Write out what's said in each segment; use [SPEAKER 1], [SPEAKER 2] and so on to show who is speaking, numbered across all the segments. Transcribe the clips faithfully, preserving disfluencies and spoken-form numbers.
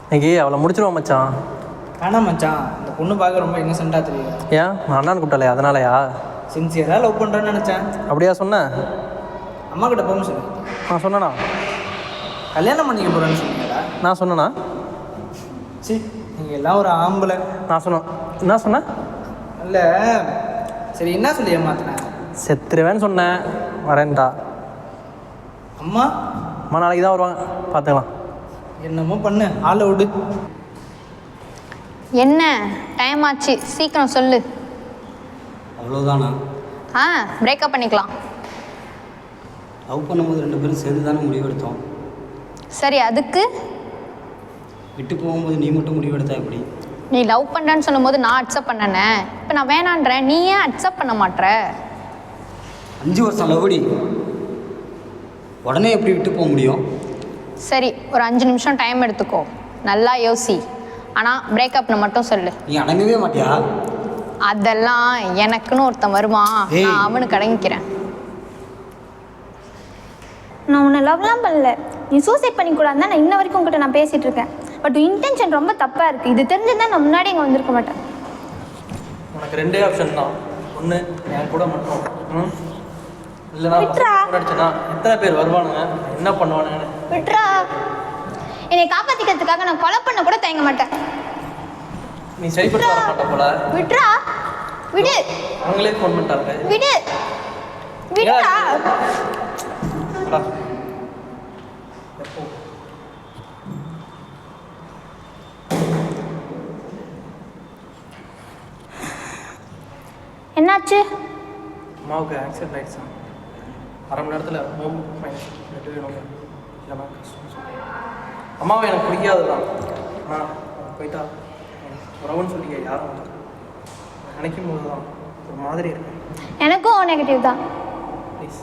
[SPEAKER 1] இன்னைக்கு அவளை முடிச்சிருவான் மச்சான்.
[SPEAKER 2] வேணாம் மச்சான், இந்த பொண்ணு பார்க்க ரொம்ப இன்னசென்ட்டாக தெரியுது.
[SPEAKER 1] ஏன் நான் அண்ணான்னு கூப்பிட்டாலே அதனாலயா?
[SPEAKER 2] சின்சியராக லவ் பண்ணுறேன்னு நினச்சேன்.
[SPEAKER 1] அப்படியா சொன்னேன்?
[SPEAKER 2] அம்மா கிட்ட பெர்மிஷன்
[SPEAKER 1] நான் சொன்னேண்ணா.
[SPEAKER 2] கல்யாணம் பண்ணிக்க போகிறேன்னு சொன்னீங்களா?
[SPEAKER 1] நான் சொன்னேண்ணா.
[SPEAKER 2] சரி, நீங்கள் எல்லாம் ஒரு ஆம்பளை.
[SPEAKER 1] நான் சொன்னேன். என்ன சொன்னேன்?
[SPEAKER 2] இல்லை, சரி என்ன சொல்லி ஏமாத்தினேன்?
[SPEAKER 1] செத்துருவேன்னு சொன்னேன். வரேன்டா.
[SPEAKER 2] அம்மா
[SPEAKER 1] அம்மா நாளைக்கு தான் வருவாங்க, பார்த்துக்கலாம்.
[SPEAKER 2] என்னமோ பண்ணு, ஆளை விடு.
[SPEAKER 3] என்ன டைம் ஆச்சு, சீக்கிரம் சொல்லு.
[SPEAKER 4] அவ்வளோதானா?
[SPEAKER 3] ஆ, பிரேக்கப் பண்ணிக்கலாம்.
[SPEAKER 4] லவ் பண்ணும்போது ரெண்டு பேரும் சேர்ந்து தானே முடிவெடுத்தோம்.
[SPEAKER 3] சரி, அதுக்கு
[SPEAKER 4] விட்டு போகும்போது நீ மட்டும் முடிவெடுத்தா எப்படி?
[SPEAKER 3] நீ லவ் பண்ணுறேன்னு சொல்லும்போது நான் அக்செப்ட் பண்ணனே. இப்போ நான் வேணான்றேன், நீ ஏன் அக்செப்ட் பண்ண மாட்ற?
[SPEAKER 4] அஞ்சு வருஷம் லவ்டி, உடனே எப்படி விட்டு போக முடியும்?
[SPEAKER 3] சரி, ஒரு அஞ்சு நிமிஷம் டைம் எடுத்துக்கோ, நல்லா யோசி. ஆனால் பிரேக்கப்னு மட்டும் சொல்லு.
[SPEAKER 4] நீ அடங்கவே மாட்டியா?
[SPEAKER 3] அதெல்லாம் எனக்குன்னு ஒருத்தன் வருவான்,
[SPEAKER 4] ஏய்.
[SPEAKER 3] நான் அவனுக்கு அடங்கிக்கிறேன்.
[SPEAKER 5] நான் உன்னை லவ்லாம் பண்ணல. நீ சூசைட் பண்ணிக்கூடாது தான் நான் இன்ன வரைக்கும் உங்கள்கிட்ட நான் பேசிகிட்டு இருக்கேன். பட் இன்டென்ஷன் ரொம்ப தப்பாக இருக்குது. இது தெரிஞ்சுதான் நான் முன்னாடி இங்கே வந்திருக்க மாட்டேன்.
[SPEAKER 1] உனக்கு ரெண்டே ஆப்ஷன் தான். ஒன்று என் கூட மட்டும், ம் இல்லைனா அடிச்சுனா எத்தனை பேர் வருவானுங்க, என்ன பண்ணுவானுங்கன்னு.
[SPEAKER 5] விட்ரா, என்னை காப்பாற்றிக்கிறதுக்காக நான் கொலை பண்ண கூட தயங்க மாட்டேன்.
[SPEAKER 1] நீ சரிப்பட்டு வர மாட்ட போல.
[SPEAKER 5] விட்ரா, விடு.
[SPEAKER 1] அவங்களே ஃபோன் பண்ணிட்டாங்க.
[SPEAKER 5] விடு, விடுடா.
[SPEAKER 1] எப்போ
[SPEAKER 5] என்னாச்சு?
[SPEAKER 1] அம்மாவுக்கு ஆக்சிடென்ட் ஆகிடுச்சா? அரை மணி நேரத்தில் ஹோம் ஃபைனான்ஸ் நெட்டு வேணும். இல்லைனா கஷ்டம் சொல்லி அம்மாவை எனக்கு பிடிக்காது தான். ஆனால் போயிட்டா உறவுன்னு சொல்லி யாரும் வந்து நினைக்கும் போது தான் ஒரு மாதிரி இருக்கு.
[SPEAKER 5] எனக்கும் நெகட்டிவ் தான்.
[SPEAKER 1] ப்ளீஸ்.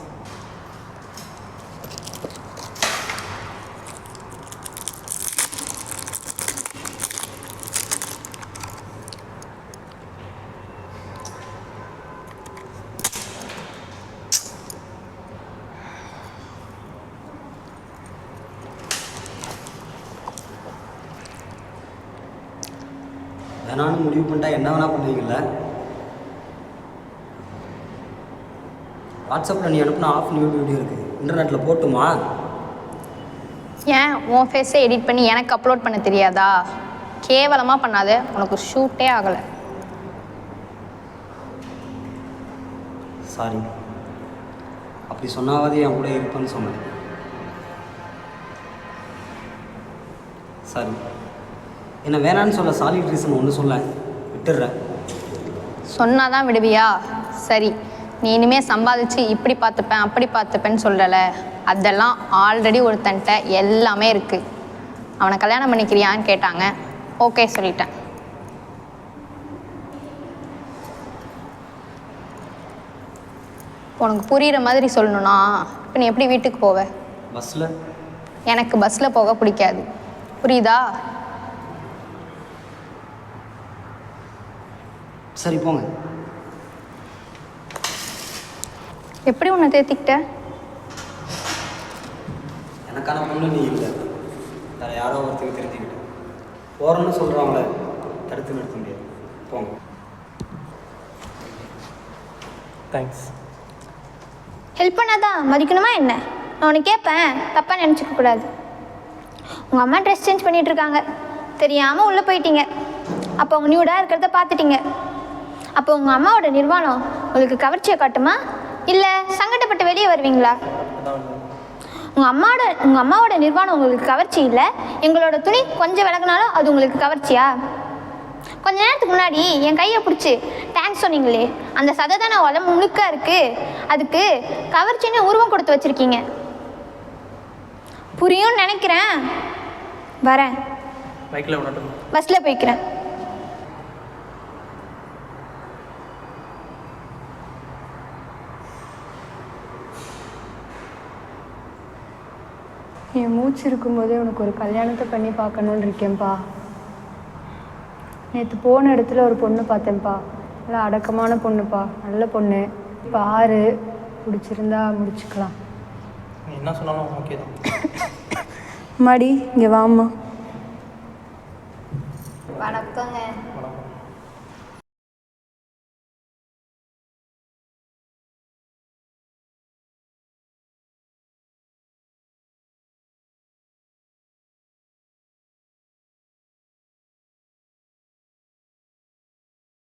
[SPEAKER 4] வேணான்னு முடிவு பண்ணிட்டா என்ன வேணா பண்ணுவீங்கல்ல? வாட்ஸ்அப்பில் நீ அனுப்புனா ஆஃப் நியூ வீடியோ இருக்குது, இன்டர்நெட்டில் போட்டுமா?
[SPEAKER 3] ஏன் உன் ஃபேஸை எடிட் பண்ணி எனக்கு அப்லோட் பண்ண தெரியாதா? கேவலமாக பண்ணாத, உனக்கு ஷூட்டே ஆகலை.
[SPEAKER 4] சாரி, அப்படி சொன்னாவது என் கூட இருப்பேன்னு சொன்னேன். சாரி, என்ன வேணான்னு சொல்ல சாலிட் ரீசன் ஒன்று சொல்ல விட்டுடுறேன்.
[SPEAKER 3] சொன்னாதான் விடுவியா? சரி, நீ இனிமேல் சம்பாதிச்சு இப்படி பார்த்துப்பேன் அப்படி பார்த்துப்பேன்னு சொல்லலை. அதெல்லாம் ஆல்ரெடி ஒருத்தன்ட்ட எல்லாமே இருக்குது. அவனை கல்யாணம் பண்ணிக்கிறியான்னு கேட்டாங்க, ஓகே சொல்லிட்டேன். உனக்கு புரிகிற மாதிரி சொல்லணும்னா இப்போ நீ எப்படி வீட்டுக்கு போவ?
[SPEAKER 4] பஸ்ஸில்.
[SPEAKER 3] எனக்கு பஸ்ஸில் போக பிடிக்காது, புரியுதா?
[SPEAKER 4] சரி போங்க.
[SPEAKER 3] எப்படி உன்னை தேத்திக்கிட்ட?
[SPEAKER 4] எனக்கான பொண்ணு நீ இல்லை, வேறு யாரோ ஒருத்தருக்கு தெரிஞ்சுக்கிட்டேன். போகிறோன்னு சொல்கிறவங்கள தடுத்து நிறுத்த முடியாது. போங்க.
[SPEAKER 1] தேங்க்ஸ்.
[SPEAKER 5] ஹெல்ப் பண்ணாதான் மதிக்கணுமா என்ன? நான் உனக்கு கேட்பேன், தப்பாக நினச்சிக்க கூடாது. உங்கள் அம்மா ட்ரெஸ் சேஞ்ச் பண்ணிகிட்டு இருக்காங்க, தெரியாமல் உள்ளே போயிட்டீங்க. அப்போ உங்கள் நியூடாக இருக்கிறத பார்த்துட்டீங்க. அப்போ உங்கள் அம்மாவோட நிர்வாணம் உங்களுக்கு கவர்ச்சியை காட்டுமா, இல்லை சங்கடப்பட்டு வெளியே வருவீங்களா? உங்கள் அம்மாவோட உங்கள் அம்மாவோட நிர்வாணம் உங்களுக்கு கவர்ச்சி இல்லை, எங்களோட துணி கொஞ்சம் விலகினாலும் அது உங்களுக்கு கவர்ச்சியா? கொஞ்ச நேரத்துக்கு முன்னாடி என் கையை பிடிச்சி தேங்க்ஸ் சொன்னீங்களே, அந்த சதை தானே உடம்பு முழுக்க இருக்குது, அதுக்கு கவர்ச்சின்னு உருவம் கொடுத்து வச்சுருக்கீங்க. புரியும்னு நினைக்கிறேன். வரேன்.
[SPEAKER 1] பைக்கில் விடட்டும்?
[SPEAKER 5] பஸ்ஸில் போய்க்கிறேன்.
[SPEAKER 6] என் மூச்சு இருக்கும்போதே உனக்கு ஒரு கல்யாணத்தை பண்ணி பார்க்கணுன்னு இருக்கேன்ப்பா. நேற்று போன இடத்துல ஒரு பொண்ணு பார்த்தேன்ப்பா, நல்லா அடக்கமான பொண்ணுப்பா, நல்ல பொண்ணு. பாரு, பிடிச்சிருந்தா முடிச்சுக்கலாம்.
[SPEAKER 1] நீ என்ன சொன்னாலும் ஓகே தான்.
[SPEAKER 6] அம்மாடி இங்கே வாம்மா.